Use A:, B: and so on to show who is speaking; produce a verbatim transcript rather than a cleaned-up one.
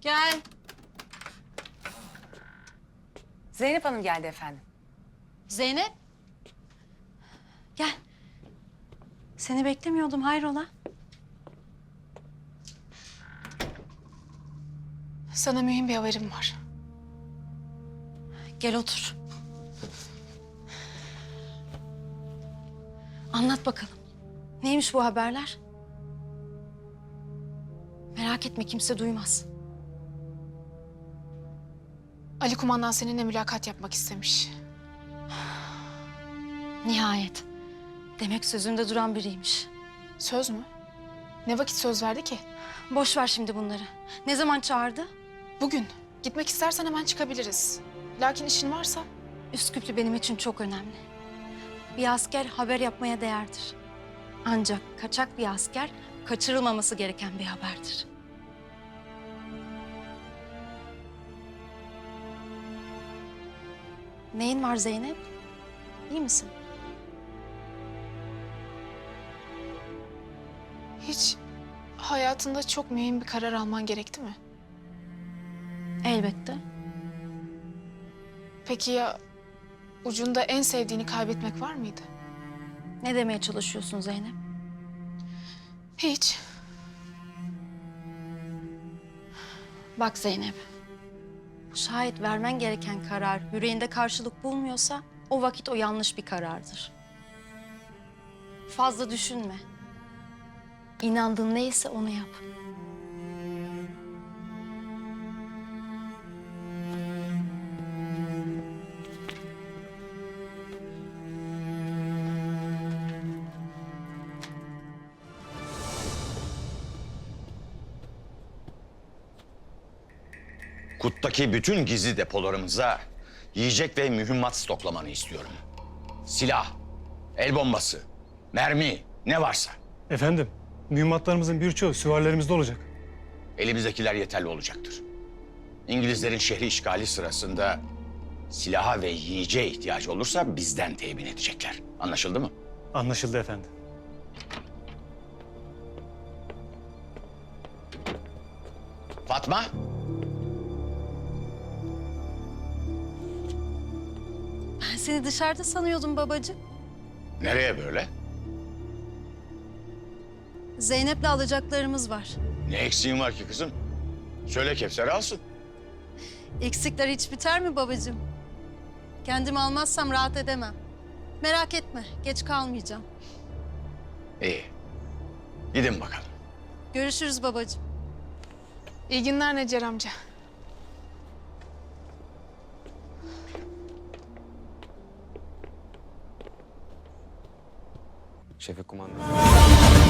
A: Gel.
B: Zeynep Hanım geldi efendim.
A: Zeynep. Gel. Seni beklemiyordum, hayrola?
C: Sana mühim bir haberim var.
A: Gel otur. Anlat bakalım. Neymiş bu haberler? Merak etme, kimse duymaz.
C: Ali kumandan seninle mülakat yapmak istemiş.
A: Nihayet. Demek sözünde duran biriymiş.
C: Söz mü? Ne vakit söz verdi ki?
A: Boş ver şimdi bunları. Ne zaman çağırdı?
C: Bugün. Gitmek istersen hemen çıkabiliriz. Lakin işin varsa...
A: Üsküplü benim için çok önemli. Bir asker haber yapmaya değerdir. Ancak kaçak bir asker kaçırılmaması gereken bir haberdir. Neyin var Zeynep? İyi misin?
C: Hiç hayatında çok mühim bir karar alman gerekti mi?
A: Elbette.
C: Peki ya ucunda en sevdiğini kaybetmek var mıydı?
A: Ne demeye çalışıyorsun Zeynep?
C: Hiç.
A: Bak Zeynep. Şayet vermen gereken karar yüreğinde karşılık bulmuyorsa o vakit o yanlış bir karardır. Fazla düşünme. İnandığın neyse onu yap.
D: Kut'taki bütün gizli depolarımıza yiyecek ve mühimmat stoklamanı istiyorum. Silah, el bombası, mermi, ne varsa.
E: Efendim, mühimmatlarımızın birçoğu süvarilerimizde olacak.
D: Elimizdekiler yeterli olacaktır. İngilizlerin şehri işgali sırasında silaha ve yiyeceğe ihtiyacı olursa bizden temin edecekler. Anlaşıldı mı?
E: Anlaşıldı efendim.
D: Fatma?
A: Ben seni dışarıda sanıyordum babacığım.
D: Nereye böyle?
A: Zeynep'le alacaklarımız var.
D: Ne eksiğin var ki kızım? Söyle Kevser alsın.
A: Eksikler hiç biter mi babacığım? Kendimi almazsam rahat edemem. Merak etme, geç kalmayacağım.
D: İyi. Gidin bakalım.
A: Görüşürüz babacığım.
C: İyi günler Necer amca.
F: Şefik kumandan.